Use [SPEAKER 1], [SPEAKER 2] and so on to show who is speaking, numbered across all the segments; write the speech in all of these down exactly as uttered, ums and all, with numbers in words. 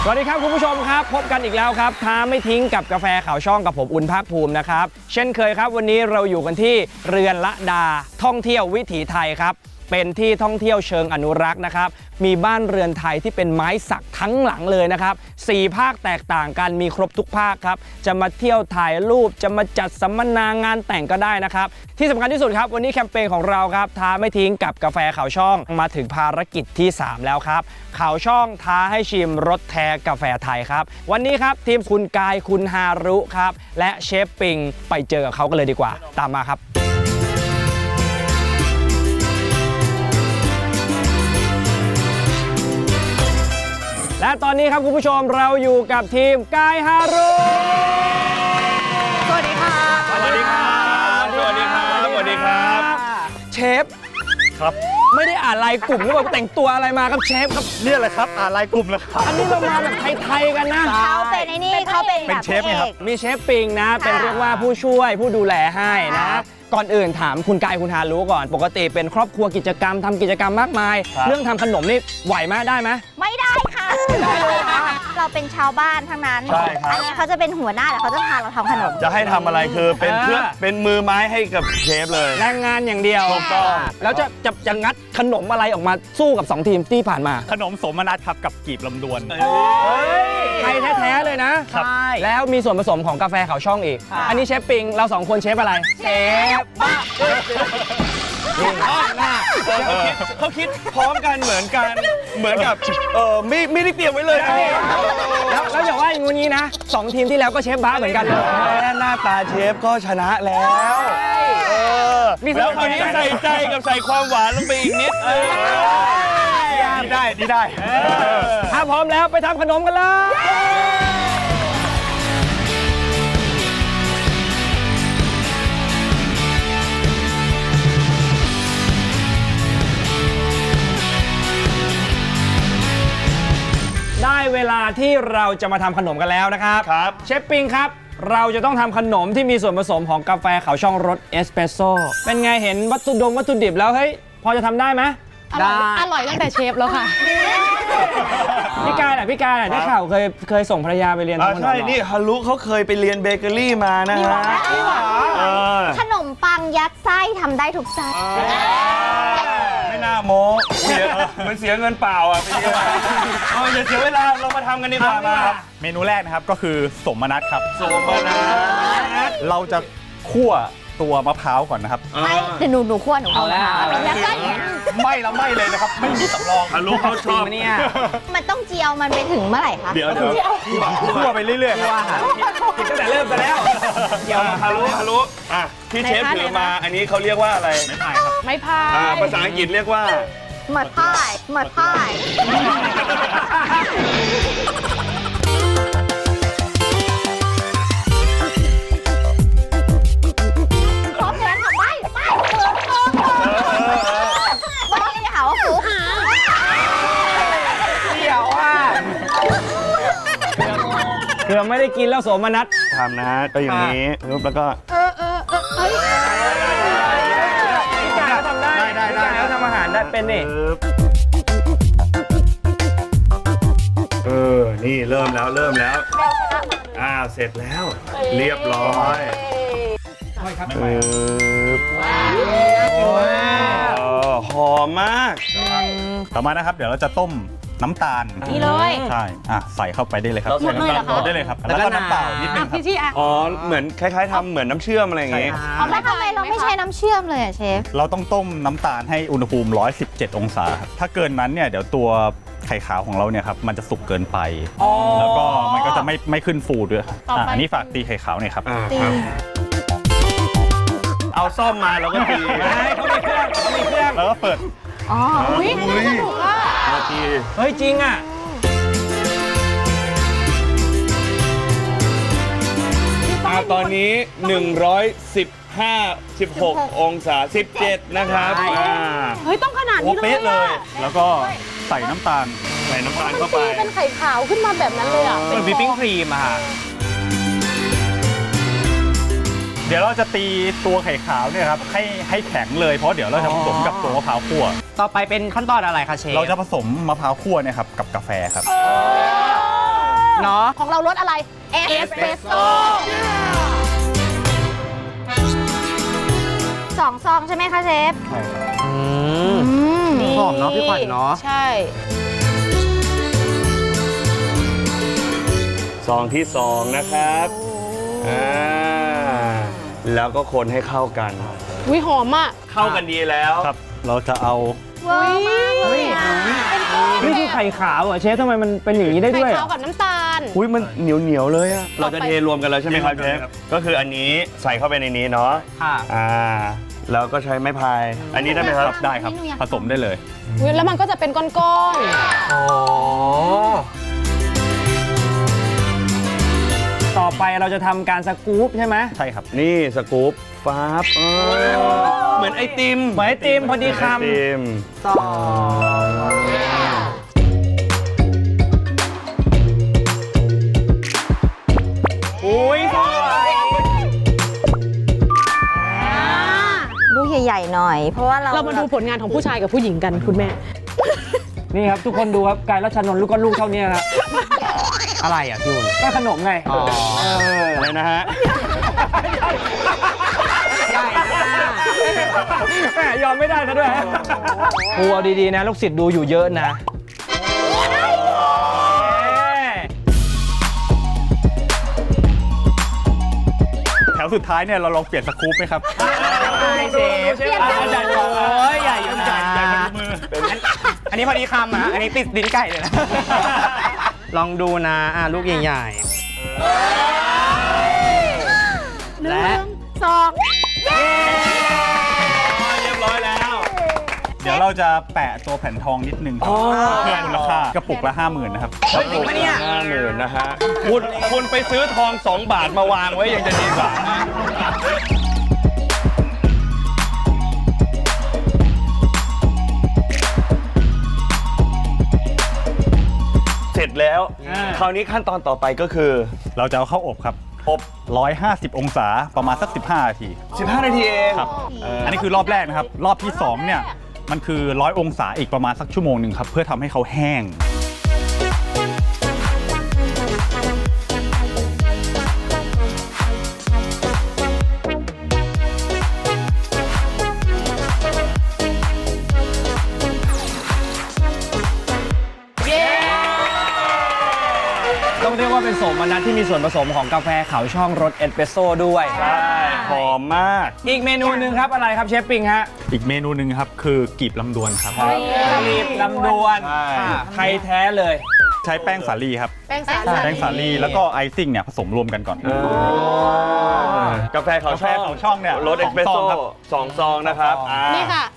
[SPEAKER 1] วัสดีครับคุณผู้ชมครับพบกันอีกแล้วครับท้าไม่ทิ้งกับกาแฟขาวช่องกับผมอุ่นภาคภูมินะครับเช่นเคยครับวันนี้เราอยู่กันที่เรือนละดาท่องเที่ยววิถีไทยครับเป็นที่ท่องเที่ยวเชิงอนุรักษ์นะครับมีบ้านเรือนไทยที่เป็นไม้สักทั้งหลังเลยนะครับสี่ภาคแตกต่างกันมีครบทุกภาคครับจะมาเที่ยวถ่ายรูปจะมาจัดสัมมนางานแต่งก็ได้นะครับที่สำคัญที่สุดครับวันนี้แคมเปญของเราครับท้าไม่ทิ้งกับกาแฟขาวช่องมาถึงภารกิจที่สามแล้วครับขาวช่องท้าให้ชิมรสแท้กาแฟไทยครับวันนี้ครับทีมคุณกายคุณฮารุครับและเชฟปิงไปเจอกับเขากันเลยดีกว่าตามมาครับและตอนนี้ครับคุณผู้ชมเราอยู่กับทีมกายฮารุ
[SPEAKER 2] สวัสดีครับ
[SPEAKER 3] สวัสดีครับสวัสดีครับสวัสดีครับ
[SPEAKER 1] เชฟ
[SPEAKER 3] ครับ
[SPEAKER 1] ไม่ได้อ่านลายกลุ่มหรือเปล่าแต่งตัวอะไรมาครับเชฟครับ
[SPEAKER 3] เนี่ยแหละครับอ่านลายกลุ่มแล้วครับ
[SPEAKER 1] อันนี้เรามาแบบไทยๆกันนะ
[SPEAKER 2] เขาเป็นไอ้นี่เขาเป็นแบบ
[SPEAKER 3] เป็นเชฟไงครับ
[SPEAKER 1] มีเชฟปิงนะเป็นเรียกว่าผู้ช่วยผู้ดูแลให้นะก่อนอื่นถามคุณกายคุณฮารุก่อนปกติเป็นครอบครัวกิจกรรมทำกิจกรรมมากมายเรื่องทำขนมนี่ไหวไหมได้ไหม
[SPEAKER 2] ไม่ได้ค่ะเราเป็นชาวบ้านทั้งนั้นอันนี้เขาจะเป็นหัวหน้าแต่เขาจะพาเราทำขนม
[SPEAKER 3] จะให้ทำอะไรคือเป็นเพื่อเป็นมือไม้ให้กับเชฟเลย
[SPEAKER 1] แรงงานอย่างเดียว
[SPEAKER 3] ถูกต้อง
[SPEAKER 1] แล้วจะจะจะงัดขนมอะไรออกมาสู้กับสองทีมที่ผ่านมา
[SPEAKER 4] ขนมสมนัตครับกับกีบลำดวน
[SPEAKER 1] ไทยแท้ๆเลยนะ
[SPEAKER 4] ใช่
[SPEAKER 1] แล้วมีส่วนผสมของกาแฟขาวช่องอีกอันนี้เชฟปิงเราสองคนเชฟอะไร
[SPEAKER 2] เชฟบ้า
[SPEAKER 3] เขาคิดพร้อมกันเหมือนกันเหมือนกับเออไม่ไม่ได้เตรียมไว้เลย
[SPEAKER 1] แล้วแล้วอย่าว่าอย่างงี้นะสองทีมที่แล้วก็เชฟบ้าเหมือนกันเลย
[SPEAKER 3] หน้าตาเชฟก็ชนะแล้วแล้วคราวนี้ใส่ใจกับใส่ความหวานลงไปอีกนิดดีได้ดีได้
[SPEAKER 1] ถ้าพร้อมแล้วไปทำขนมกันเลยได้เวลาที่เราจะมาทำขนมกันแล้วนะครับ
[SPEAKER 3] ครับ
[SPEAKER 1] เชฟปิงครับเราจะต้องทำขนมที่มีส่วนผสมของกาแฟขาวช่องรสเอสเปรสโซ่เป็นไงเห็นวัตถุดงวัตถุดิบแล้วเฮ้ยพอจะทำได้ไหม
[SPEAKER 5] ได้อร่อยตั้งแต่เชฟแล้วค่ะ
[SPEAKER 1] พี่กายน่ะพี่กายน่ะได้ข่าวเคยเคยส่งภรรยาไปเรียนทำขนม
[SPEAKER 3] ใช่นี่ฮารุเขาเคยไปเรียนเบเกอรี่มานะฮะ
[SPEAKER 2] ขนมปังยัดไส้ทำได้ทุกไส้
[SPEAKER 3] ไม่น่าโม้มันเสียเงินเปล่าอ่ะไปเรียนเอาอย่าเสียเวลาเรามาทำกันดีกว่ามา
[SPEAKER 4] เมนูแรกนะครับก็คือสมนัตครับ
[SPEAKER 3] สมนัต
[SPEAKER 4] เราจะคั่วตัวมะพร้าวก่อนนะครับ
[SPEAKER 2] ไม่เดี๋ยวหนูหนูคั่วหนู
[SPEAKER 1] เอาแล้ว
[SPEAKER 4] ไม่ละไม่เลยนะครับไม่มีสำรอง
[SPEAKER 3] ฮารุเขาชอบ
[SPEAKER 1] เนี่ย
[SPEAKER 2] มันต้องเจียวมันไปถึงเมื่อไหร่คะ
[SPEAKER 3] เดี๋ยวเดี๋ยว
[SPEAKER 4] คั่วไปเรื่อยๆครับ
[SPEAKER 1] กินตั้งแต่เริ่มไปแล้ว
[SPEAKER 3] เดี๋ยวฮารุฮารุอ่ะที่เชฟถือมาอันนี้เขาเรียกว่าอะไร
[SPEAKER 4] ไม้พายครับ
[SPEAKER 5] ไม้พาย
[SPEAKER 3] อ่าภาษาอังกฤษเรียกว่า
[SPEAKER 2] หมัดพายหมัดพายพร้อมแล้วค่ะไปไปเปิดเปิดวันนี้จะหาว่าฟุ๊ก
[SPEAKER 1] เดี๋ยวอ่ะเกือบไม่ได้กินแล้วโสมนัส
[SPEAKER 3] ทำนะก็อย่างนี้แล้วก็
[SPEAKER 2] เออเออเออเฮ้ย
[SPEAKER 1] พี่กายเขาทำได้
[SPEAKER 3] ได้ได้
[SPEAKER 1] เขาทำอาหารได้เป็นนี่
[SPEAKER 3] เออนี่เริ่มแล้วเริ่มแล้วอ่าเสร็จแล้วเรียบร้อยเออหอมมาก
[SPEAKER 4] ต่อมานะครับเดี๋ยวเราจะต้มน้ำตาล
[SPEAKER 2] นี่เลย
[SPEAKER 4] ใช่อ่ะใส่เข้าไปได้เลยครับ
[SPEAKER 2] หมดเลยเหรอคะ
[SPEAKER 4] ได้เลยครับแล้วก็น้ำเปล่านิดนึงครับ
[SPEAKER 3] อ๋อเหมือนคล้ายๆทำเหมือนน้ำเชื่อมอะไรอย่างงี้
[SPEAKER 2] แล้วทำไมเราไม่ใช้น้ำเชื่อมเลยอ่ะเชฟ
[SPEAKER 4] เราต้องต้มน้ำตาลให้อุณหภูมิหนึ่งร้อยสิบเจ็ดองศาครับถ้าเกินนั้นเนี่ยเดี๋ยวตัวไข่ขาวของเราเนี่ยครับมันจะสุกเกินไปแล้วก็มันก็จะไม่ไม่ขึ้นฟูด้วยอันนี้ฝากตีไข่ขาวหน่อยครับ
[SPEAKER 3] เอาซ่อมมาแล้วก็ตี
[SPEAKER 1] เขามีเครื่องเขามีเครื่อง
[SPEAKER 4] แล้วก็เปิด
[SPEAKER 2] อ๋ออุ้ยสนุกอ่ะ
[SPEAKER 1] เฮ้ยจริงอ่ะ
[SPEAKER 3] ตอนนี้หนึ่งร้อยสิบห้า สิบหกองศาสิบเจ็ดนะครับ
[SPEAKER 5] เฮ้ยต้องขนาดนี้เลย
[SPEAKER 4] แล้วก็ใส่น้ำตาล
[SPEAKER 3] ใส่น้ำตาลเข้าไป
[SPEAKER 5] เป็นไข่ขาวขึ้นมาแบบนั้นเลยอ่ะ
[SPEAKER 1] เป็นวิปปิ้งครีมอ่ะ
[SPEAKER 4] เดี๋ยวเราจะตีตัวไข่ขาวเนี่ยครับให้ให้แข็งเลยเพราะเดี๋ยวเราจะผสมกับตัวมะพร้าวคั่ว
[SPEAKER 1] ต่อไปเป็นขั้นตอนอะไรคะเชฟ
[SPEAKER 4] เราจะผสมมะพร้าวคั่วเนี่ยครับกับกาแฟครับ
[SPEAKER 1] เนาะ
[SPEAKER 5] ของเรารสอะไร
[SPEAKER 2] เอ
[SPEAKER 5] เอ
[SPEAKER 2] ส
[SPEAKER 5] สเปรสโซ่
[SPEAKER 2] สองซองใช่ไหมคะเชฟ
[SPEAKER 1] อืม
[SPEAKER 5] นี่
[SPEAKER 1] หอมเนาะพี่ขวัญเนาะ
[SPEAKER 5] ใช่
[SPEAKER 3] ซองที่สองนะครับอ่าแล้วก็คนให้เข้ากัน
[SPEAKER 5] วิหอมอ่ะ
[SPEAKER 3] เข้ากันดีแล้ว
[SPEAKER 4] ครับ เราจะเอา
[SPEAKER 2] ว้าวมากเลยอ่ะ
[SPEAKER 1] นี่คือไข่ขาวเหรอเชฟทำไมมันเป็นอย่างนี้ได้
[SPEAKER 5] ไข่
[SPEAKER 1] ด้วย
[SPEAKER 5] ขาวกับน้ำตาล
[SPEAKER 3] อุ้ยมันเหนียวเหนียวๆเลยอะ
[SPEAKER 5] ต่
[SPEAKER 3] เรา
[SPEAKER 5] อไป
[SPEAKER 3] จะเทรวมกันแล้วใช่ไหมครับเชฟก็คืออันนี้ใส่เข้าไปในนี้เนาะ
[SPEAKER 1] ค่ะ
[SPEAKER 3] อ่าแล้วก็ใช้ไม้พาย อันนี้ได้ไหมครับ
[SPEAKER 4] ได้ครับ ผสมได้เลย
[SPEAKER 5] อุ๊ยแล้วมันก็จะเป็นก้อน
[SPEAKER 1] อ๋อ ต่อไปเราจะทำการสกู๊ปใช่ไหม
[SPEAKER 4] ใช่ครับ
[SPEAKER 3] นี่สกู๊ปฟ้าบเออเหมือนไอติม
[SPEAKER 1] เหมือนไอติมพอดีค
[SPEAKER 3] ไอติม
[SPEAKER 1] ำต่ออุ้ยสวย
[SPEAKER 2] ลูกใหญ่ๆหน่อย เพราะว่าเรา
[SPEAKER 5] ๆ เรามาดูผลงานของผู้ชายกับผู้หญิงกันคุณแม่
[SPEAKER 1] นี่ครับทุกคนดูครับกายรัชนนท์ลูกก็ลูกเท่านี้ครับ อะไรอ่ะพี่อุ่นก็ขนมไงเออ
[SPEAKER 3] อะไรนะฮะ
[SPEAKER 1] ใหญ่แม่ยอมไม่ได้ซะด้วยครูเอาดีๆนะ ลูกศิษย์ดูอยู่เยอะนะ
[SPEAKER 4] แถวสุดท้ายเนี่ยเราลองเปลี่ยนสกู๊ปไหมครับ
[SPEAKER 1] เชฟเชฟใหญ่โอ้ยใหญ่อยู่นะ
[SPEAKER 4] ใหญ่พอดีมือ
[SPEAKER 1] อันนี้พอดีคำอ่ะอันนี้ติดลิ้นไก่เลยนะ ลองดูนะอ่ะลูกใหญ่ๆและ
[SPEAKER 2] สอง
[SPEAKER 3] เรียบร้อยแล้ว
[SPEAKER 4] เดี๋ยวเราจะแปะตัวแผ่นทองนิดนึงครับเพิ่มมูลค่ากระปุกละห้าหมื่นนะครับ
[SPEAKER 1] เฮ้ยจริงปะเนี่ย
[SPEAKER 3] ห้าหมื่นนะฮะคุณคุณไปซื้อทองสองบาทมาวางไว้ยังจะดีกว่าเสร็จแล้ว คราวนี้ขั้นตอนต่อไปก็คือ
[SPEAKER 4] เราจะเอาเข้าอบครับ อบ หนึ่งร้อยห้าสิบ องศาประมาณสัก สิบห้า นาที
[SPEAKER 3] สิบห้า นาทีเอง
[SPEAKER 4] ครับ อันนี้คือรอบแรกนะครับ รอบที่สองเนี่ยมันคือร้อยองศาอีกประมาณสักชั่วโมงหนึ่งครับเพื่อทำให้เขาแห้ง
[SPEAKER 1] ต้องเรียกว่าเป็นโสมนัสที่มีส่วนผสมของกาแฟขาวช่องรสเอสเปรสโซ่ด้วย
[SPEAKER 3] ใช่หอมมาก
[SPEAKER 1] อีกเมนูหนึ่งครับอะไรครับเชฟปิงฮะ
[SPEAKER 4] อีกเมนูหนึ่งครับคือกีบลำดวนครับ
[SPEAKER 1] รีบลำดวน
[SPEAKER 3] ใช่
[SPEAKER 1] ไทยแท้เลย
[SPEAKER 4] ใช้แป้งสาลีครับ
[SPEAKER 5] แป้งสา
[SPEAKER 4] แป้งสาลีแล้วก็ไอซิ่งเนี่ยผสมรวมกันก่อน
[SPEAKER 3] กาแฟเขา
[SPEAKER 4] กาแฟเขาช่องเนี่ย
[SPEAKER 3] รสเอสเปรส
[SPEAKER 4] สองซ
[SPEAKER 3] โซ่
[SPEAKER 4] องครับ
[SPEAKER 3] สองซองนะครับ
[SPEAKER 1] สองซอง
[SPEAKER 3] อ่า
[SPEAKER 5] นี่ค่ะ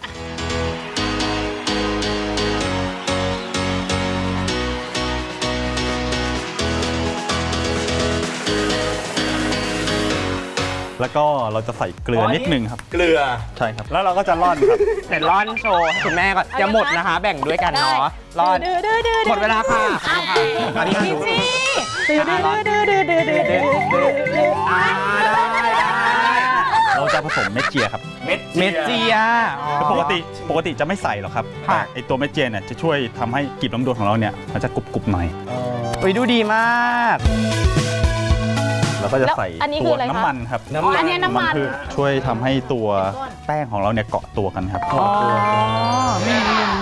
[SPEAKER 4] แล้วก็เราจะใส่เกลือนิดนึงครับ
[SPEAKER 3] เกลือ
[SPEAKER 4] ใช่ครับ แล้วเราก็จะร่อนครับ
[SPEAKER 1] แต่ร้อนโชว์ให้คุณแม่ก่อนจะหมดนะคะ แบ่งด้วยกันเนาะร้อน
[SPEAKER 5] ดื้อดื้อดื้อ
[SPEAKER 1] หมดเวลาค่ะตอนนี้ดู
[SPEAKER 5] ดื้อดื้อดื้อดื้อดื้อดื้อดื้อดื้อ
[SPEAKER 1] อ่าได้ได้
[SPEAKER 4] เราจะผสมเม็ดเจียครับ
[SPEAKER 3] เม็ด
[SPEAKER 1] เมดเจีย
[SPEAKER 4] คือปกติปกติจะไม่ใส่หรอกครับ
[SPEAKER 1] ค่ะ
[SPEAKER 4] แต่ไอตัวเม็ดเจียเนี่ยจะช่วยทำให้กลีบลำดวนของเราเนี่ยมันจะกรุบๆหน่อย
[SPEAKER 1] อุ้ยดูดีมาก
[SPEAKER 4] แล้วก็จะใส่
[SPEAKER 5] อันนี้คื
[SPEAKER 4] ตั
[SPEAKER 5] อ
[SPEAKER 4] ว
[SPEAKER 5] อะไรคะ
[SPEAKER 4] น้ำมันครับ
[SPEAKER 3] น้ำมัน
[SPEAKER 5] อันนี้น้ำมัน
[SPEAKER 4] คือช่วยทำให้ตัวแป้งของเราเนี่ยเกาะตัวกันครับ
[SPEAKER 1] อ๋อไม่รู้เลย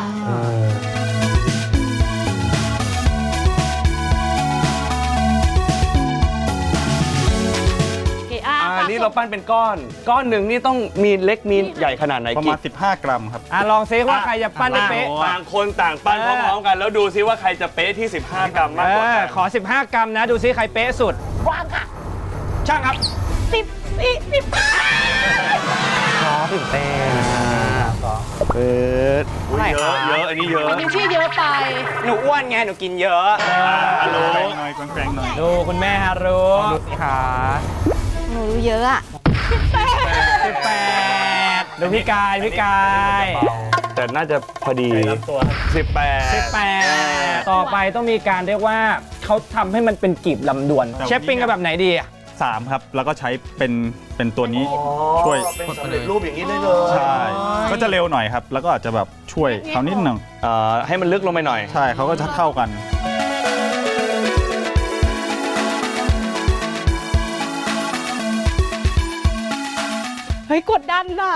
[SPEAKER 5] โอเคอ่ะ
[SPEAKER 3] อ่านี่เราปั้นเป็นก้อน ก้อนหนึ่งนี่ต้องมีเล็กมีใหญ่ขนาดไหน
[SPEAKER 4] ประ
[SPEAKER 3] กี่
[SPEAKER 4] มาณ สิบห้า กรัมครับ
[SPEAKER 1] อ่ะลองซิว่าใครจะปั้นได้เป๊ะ
[SPEAKER 3] ต่างคนต่างปั้นพร้อมๆกัน แล้วดูซิว่าใครจะเป๊ะที่ สิบห้ากรัมมาก
[SPEAKER 1] เอก
[SPEAKER 3] ว่า
[SPEAKER 1] อ
[SPEAKER 3] กัน
[SPEAKER 1] ขอ สิบห้ากรัมนะ ดูซิใครเป๊ะสุด
[SPEAKER 2] วางค่ะ
[SPEAKER 1] ช่างครับ
[SPEAKER 2] สิบสี่สิบ
[SPEAKER 1] ขอถึงเต้น
[SPEAKER 3] เปิดอุ๊ย
[SPEAKER 1] ไม่
[SPEAKER 3] เย
[SPEAKER 1] ครั
[SPEAKER 3] อะ
[SPEAKER 1] บ
[SPEAKER 3] เยอะอันนี้เยอะ
[SPEAKER 5] มันยังชื่อเยอะไป
[SPEAKER 1] หนูอ้วนไง หนูกินเยอะ
[SPEAKER 3] ฮัลโหล
[SPEAKER 4] แกงหน่อยแกงหน่อย
[SPEAKER 1] ดูคุณแม่ฮารุดูสิคะ
[SPEAKER 2] หนูรู้เยอะอะ
[SPEAKER 1] สิบแปดดูพี่กายพี่กาย
[SPEAKER 3] แต่น่าจะพอดีสิบแปด
[SPEAKER 1] สิบแปดต่อไปต้องมีการเรียกว่าเขาทำให้มันเป็นกีบลำดวน
[SPEAKER 4] แต่วันนี้
[SPEAKER 1] เชฟปิ้งกันแบบไหนดีอะ
[SPEAKER 4] สามครับ แล้วก็ใช้เป็นเป็นตัวนี้ ช่วย
[SPEAKER 3] เป็นสำเร็จรูปอย่างนี้ได้เลย
[SPEAKER 4] ใช่ ก็จะเร็วหน่อยครับ แล้วก็อาจจะแบบช่วยเขานิดหนึ่ง
[SPEAKER 3] เอ่อให้มันลึกลงไปหน่อย
[SPEAKER 4] ใช่เขาก็จะเข้ากัน
[SPEAKER 5] เฮ้ยกดดันน่ะ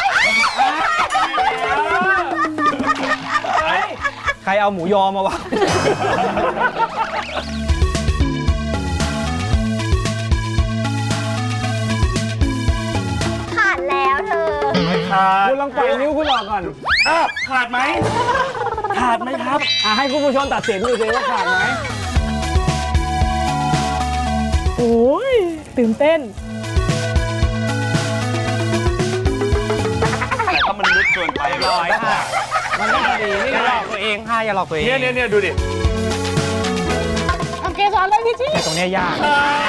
[SPEAKER 1] ใครเอาหมูยอมาวะ
[SPEAKER 2] ขาดแล้วเธอ
[SPEAKER 3] ขาด
[SPEAKER 1] คุณลองปล่อยนิ้วคุณออกก่อน
[SPEAKER 3] อ้าวขาดไหมขาดไหมครับ
[SPEAKER 1] อ่ะให้คุณผู้ชมตัดสินดูสิว่าขาดไหม
[SPEAKER 5] โอ้ยตื่นเต้น
[SPEAKER 3] แต่ถ้ามันลึกเกินไป
[SPEAKER 1] ร้อยค่ะ มันต้องพอดีนี่อย่าหลอกตัวเองค่ะอย่าหลอกตัวเอง
[SPEAKER 3] เนี่ยเนี่ยเนี่ยดูดิ
[SPEAKER 5] โอเคสอนเลยพี่ชี่
[SPEAKER 1] ตรงเนี้ยยาก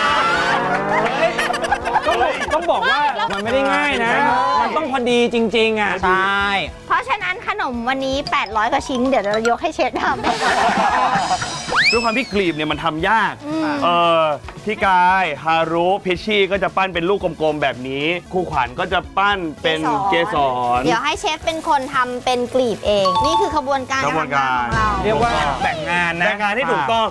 [SPEAKER 1] ต้องต้องบอกว่ามันไม่ได้ง่ายนะ มันต้องพอดีจริงๆอ่ะ ใช่
[SPEAKER 2] เพราะฉะนั้นขนมวันนี้แปดร้อยกว่าชิ้นเดี๋ยวเรายกให้เชฟทำ
[SPEAKER 3] ด้วยความที่กลีบเนี่ยมันทำยาก
[SPEAKER 2] อืม
[SPEAKER 3] เออพี่กายฮารุพิชชี่ก็จะปั้นเป็นลูกกลมๆแบบนี้ครูขวัญก็จะปั้นเป็นเกสร
[SPEAKER 2] เดี๋ยวให้เชฟเป็นคนทำเป็นกลีบเอง นี่คือขบวนการ
[SPEAKER 3] ขบวนการ
[SPEAKER 2] ทำงานของเรา
[SPEAKER 1] เรียกว่าแบ่งงานนะ
[SPEAKER 3] แบ่งงานให้ถูกต้อง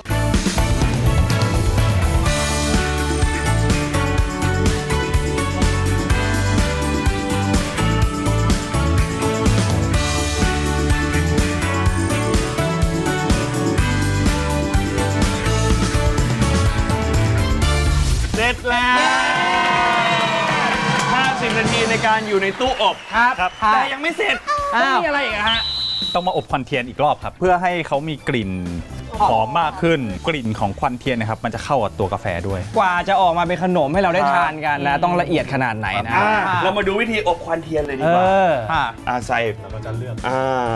[SPEAKER 3] เสร็จแล้วห้าสิบนาทีในการอยู่ในตู้อบ
[SPEAKER 1] ครับ
[SPEAKER 4] ครับ
[SPEAKER 3] แต่ยังไม่เสร็จ
[SPEAKER 1] อ้าว
[SPEAKER 3] มีอะไรอีกอะฮะ
[SPEAKER 4] ต้องมาอบควันเทียนอีกรอบครับ เพื่อให้เขามีกลิ่นหอมมากขึ้นกลิ่นของควันเทียนนะครับมันจะเข้ากับตัวกาแฟด้วย
[SPEAKER 1] กว่าจะออกมาเป็นขนมให้เราได้ทานกันนะ ต้องละเอียดขนาดไหนนะ
[SPEAKER 3] อ่าเรามาดูวิธีอบควันเทียนเลยดี
[SPEAKER 1] เอก
[SPEAKER 3] ว่า
[SPEAKER 1] อ
[SPEAKER 3] อ่าใส่เราก็จะเลือกอ่า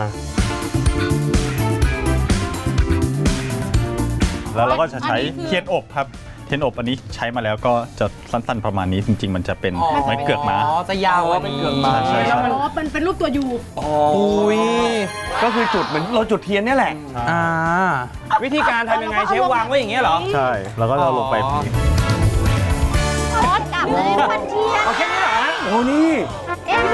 [SPEAKER 4] แล้วเราก็จะใช้
[SPEAKER 5] อันนี้คือ
[SPEAKER 4] เทียนอบครับเทียนอบอันนี้ใช้มาแล้วก็จะสั้นๆประมาณนี้จริง ๆ มันจะเป็นไม้เกือกม้า
[SPEAKER 1] อ๋อ จะยาวเป็นเกือกม้า
[SPEAKER 4] ใช่ใช่
[SPEAKER 5] อ๋อมันเป็นรูปตัวยู
[SPEAKER 1] อุ้ย
[SPEAKER 3] ก็คือจุดเหมือนเราจุดเทียนเนี่ยแหละ
[SPEAKER 1] อ่า วิธีการทำยังไงเชฟวางไว้อย่างเงี้ยเหรอ
[SPEAKER 4] ใช่แล้วก็เราลงไป
[SPEAKER 1] อ๋อ
[SPEAKER 2] ทอดกลับเลยควันเทียน
[SPEAKER 1] เอาแค่นี้เหรอฮะ
[SPEAKER 3] โอ้นี่
[SPEAKER 2] เอ็มวี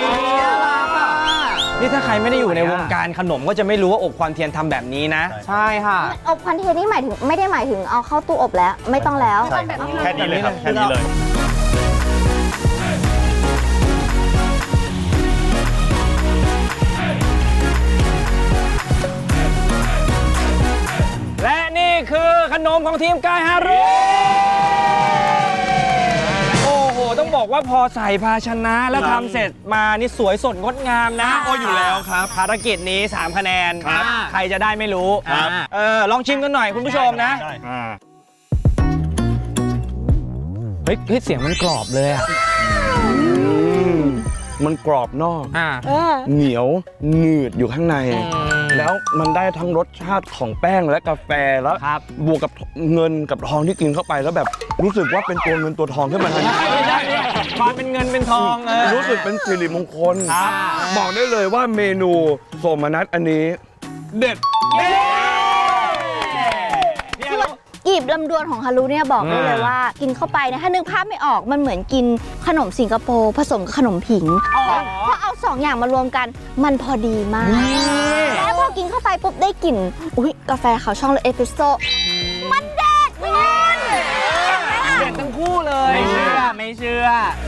[SPEAKER 1] นี่ถ้าใครไม่ได้อยู่ในวงการขนมก็จะไม่รู้ว่าอบควันเทียนทำแบบนี้นะ
[SPEAKER 4] ใช่
[SPEAKER 1] ค่ะ
[SPEAKER 2] อบควันเทียนนี่หมายถึงไม่ได้หมายถึงเอาเข้าตู้อบแล้ว ไม่ต้องแล้ว
[SPEAKER 4] ใช่ครับแค่นี้เลยครับแค่นี้เลย
[SPEAKER 1] และนี่คือขนมของทีมกายฮารุโอ้โห ต้องบอกว่าพอใส่ภาชนะแล้วทำเสร็จมานี่สวยสดงดงามนะ
[SPEAKER 3] โอ้อยู่แล้วครับ
[SPEAKER 1] ภารกิจนี้สามคะแนน
[SPEAKER 3] ครับ
[SPEAKER 1] ใครจะได้ไม่รู้
[SPEAKER 3] ครับ
[SPEAKER 1] เออลองชิมกันหน่อยคุณผู้ชมนะ
[SPEAKER 3] อ่า
[SPEAKER 1] เฮ้ยเฮ้ยเสียงมันกรอบเลยอ่ะ
[SPEAKER 3] มันกรอบนอก
[SPEAKER 1] อ่า
[SPEAKER 5] เออ
[SPEAKER 3] เหนียวหนืดอยู่ข้างใน แล้วมันได้ทั้งรสชาติของแป้งและกาแฟแล้ว
[SPEAKER 1] ครับ
[SPEAKER 3] บวกกับเงินกับทองที่กินเข้าไปแล้วแบบรู้สึกว่าเป็นตัวเงินตัวทองขึ้นมาทันที
[SPEAKER 1] ไม่ได้เนี่ยความเป็นเงินเป็นทองเออ
[SPEAKER 3] รู้สึกเป็นสิริมงคล
[SPEAKER 1] ครับ
[SPEAKER 3] บอกได้เลยว่าเมนูโสมนัสอันนี้ เด็ด
[SPEAKER 2] กลีบลำดวนของฮารุเนี่ยบอกได้เลยว่า กินเข้าไปเนี่ยถ้านึกภาพไม่ออกมันเหมือนกินขนมสิงคโปร์ผสมกับขนมผิงเพราะเอาสองอย่างมารวมกันมันพอดีมาก แล้วพอกินเข้าไปปุ๊บได้กลิ่นอุ้ยกาแฟขาวช่องและเอสเปรสโซ่มันเด็ดคุณ
[SPEAKER 1] เด็ดทั้งคู่เลย ไม่เชื่อ ไม่เชื่อ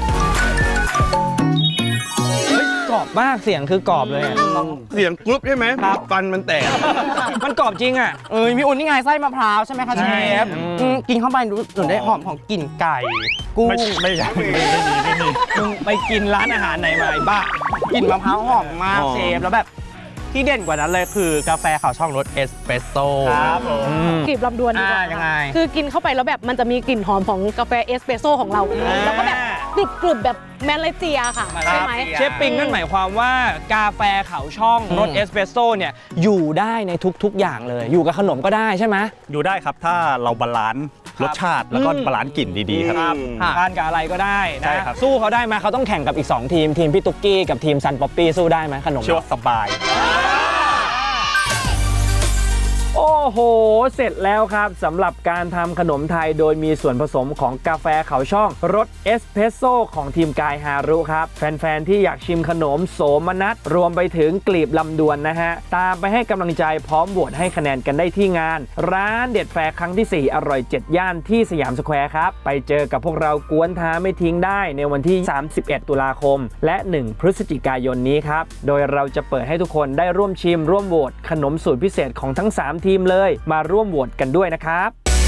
[SPEAKER 1] เฮ้ยกรอบมากเสียงคือกรอบเลยอะ
[SPEAKER 3] เสียงกรุ๊ปใช่ไหมครับฟันมันแตก
[SPEAKER 1] มันกรอบจริงอ่ะ
[SPEAKER 6] เออพี่อุ่นนี่ไงไส้มะพร้าวใช่ไหมคะ
[SPEAKER 1] ใช่
[SPEAKER 6] เชฟอืมกินเข้าไปรู้สึกได้หอมของกลิ่นไก่กุ้ง
[SPEAKER 4] ไม่ไม่อยากไม่มีไม่มีไม่มี
[SPEAKER 1] มึงไปกินร้านอาหารไหนมาไอ้บ้า
[SPEAKER 6] กลิ่นมะพร้าวหอมมาก
[SPEAKER 3] อ๋อ
[SPEAKER 6] เชฟแล้วแบบที่เด่นกว่านั้นเลยคือกาแฟขาวช่องรสเอสเปรสโซ่
[SPEAKER 1] ครับผม
[SPEAKER 5] กลีบลำดวนดีกว่า
[SPEAKER 6] อ่ายังไง
[SPEAKER 5] คือกินเข้าไปแล้วแบบมันจะมีกลิ่นหอมของกาแฟเอสเปรสโซ่ของเรา แล้วก็แบบกรุบกรุบๆแบบแมเลเซียค่ะ ใช่ไหม
[SPEAKER 1] เชฟปิงนั่นหมายความว่ากาแฟเขาช่องรสเอสเปรสโซ่เนี่ยอยู่ได้ในทุกๆอย่างเลย อยู่กับขนมก็ได้ใช่ไหม
[SPEAKER 4] อยู่ได้ครับถ้าเราบาลานซ์รสชาติแล้วก็บาลานซ์กลิ่นดีๆครับ
[SPEAKER 1] ทานกับอะไรก็ได้
[SPEAKER 4] ใช่
[SPEAKER 1] นะครับ สู้เขาได้ไหมเขาต้องแข่งกับอีก สอง ทีม ทีมพี่ตุ๊กกี้กับทีมซันป๊อปปี้สู้ได้ไหมขนม
[SPEAKER 4] เชื่อว่าสบาย
[SPEAKER 1] โอ้โอ้โห เสร็จแล้วครับสำหรับการทำขนมไทยโดยมีส่วนผสมของกาแฟเขาช่องรสเอสเพรสโซ่ของทีมกายฮารุครับแฟนๆที่อยากชิมขนมโสมนัสรวมไปถึงกลีบลำดวนนะฮะตามไปให้กำลังใจพร้อมโหวตให้คะแนนกันได้ที่งานร้านเด็ดแฟร์ครั้งที่สี่อร่อยเจ็ดย่านที่สยามสแควร์ครับไปเจอกับพวกเรากวนท้าไม่ทิ้งได้ในวันที่สามสิบเอ็ดตุลาคมและหนึ่งพฤศจิกายนนี้ครับโดยเราจะเปิดให้ทุกคนได้ร่วมชิมร่วมโหวตขนมสูตรพิเศษของทั้งสามทีมเลยมาร่วมโหวตกันด้วยนะครับ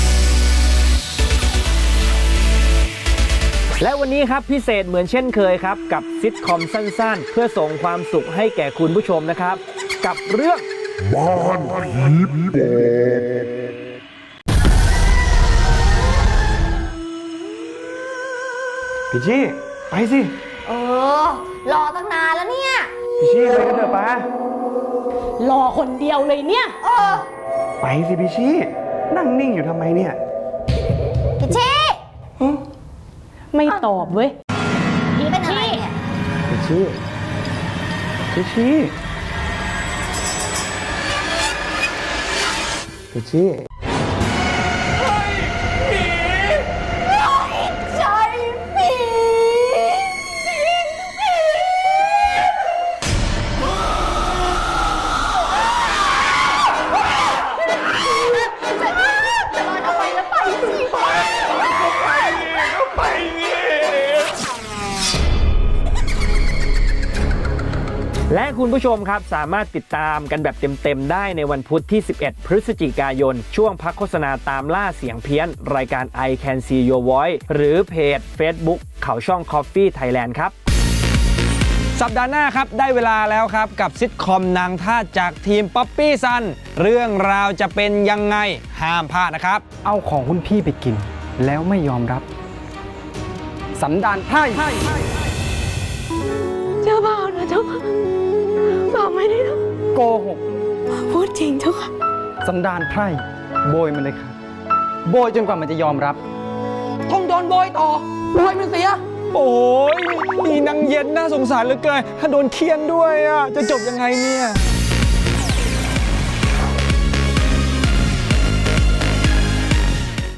[SPEAKER 1] และวันนี้ครับพิเศษเหมือนเช่นเคยครับกับซิทคอมสั้นๆเพื่อส่งความสุขให้แก่คุณผู้ชมนะครับกับเรื่องบ้านผีปอบพี่ชี่ไปสิ
[SPEAKER 2] เออ รอตั้งนานแล้วเนี่ย
[SPEAKER 1] พี่ชี่ไปกันเถอะป้าร
[SPEAKER 5] อคนเดียวเลยเนี่ย
[SPEAKER 2] เออ
[SPEAKER 1] ไปสิพี่ชี่นั่งนิ่งอยู่ทำไมเนี่ย
[SPEAKER 2] พี่ชี่
[SPEAKER 5] ไม่ตอบเว้ย
[SPEAKER 2] พี่เป็นอะไรเนี่ย
[SPEAKER 1] พี่ชี่พี่ชี่พี่ชี่
[SPEAKER 2] ใช่ผีจะรอทำไมแล้วไปสิ
[SPEAKER 1] และคุณผู้ชมครับสามารถติดตามกันแบบเต็มๆได้ในวันพุธที่สิบเอ็ดพฤศจิกายนช่วงพักโฆษณาตามล่าเสียงเพี้ยนรายการ I Can See Your Voice หรือเพจ Facebook เขาช่อง Coffee Thailand ครับสัปดาห์หน้าครับได้เวลาแล้วครับกับซิทคอมนางทาสจากทีมป๊อปปี้ซันเรื่องราวจะเป็นยังไงห้ามพลาดนะครับเอาของคุณพี่ไปกินแล้วไม่ยอมรับสันดานไพร่
[SPEAKER 5] เจ้าบ่าวนะเจ้าค่ะบ่าวไม่ได้ท
[SPEAKER 1] โกหก
[SPEAKER 5] ำพูดจริงเจ้าค่ะ
[SPEAKER 1] สันดานไพร่โบยมันเลยครับโบยจนกว่ามันจะยอมรับต้องโดนโบยต่อโบยมันเสียโอ้ยมีนางเย็นน่าสงสารเหลือเกินถ้าโดนเคี่ยนด้วยอ่ะจะจบยังไงเนี่ย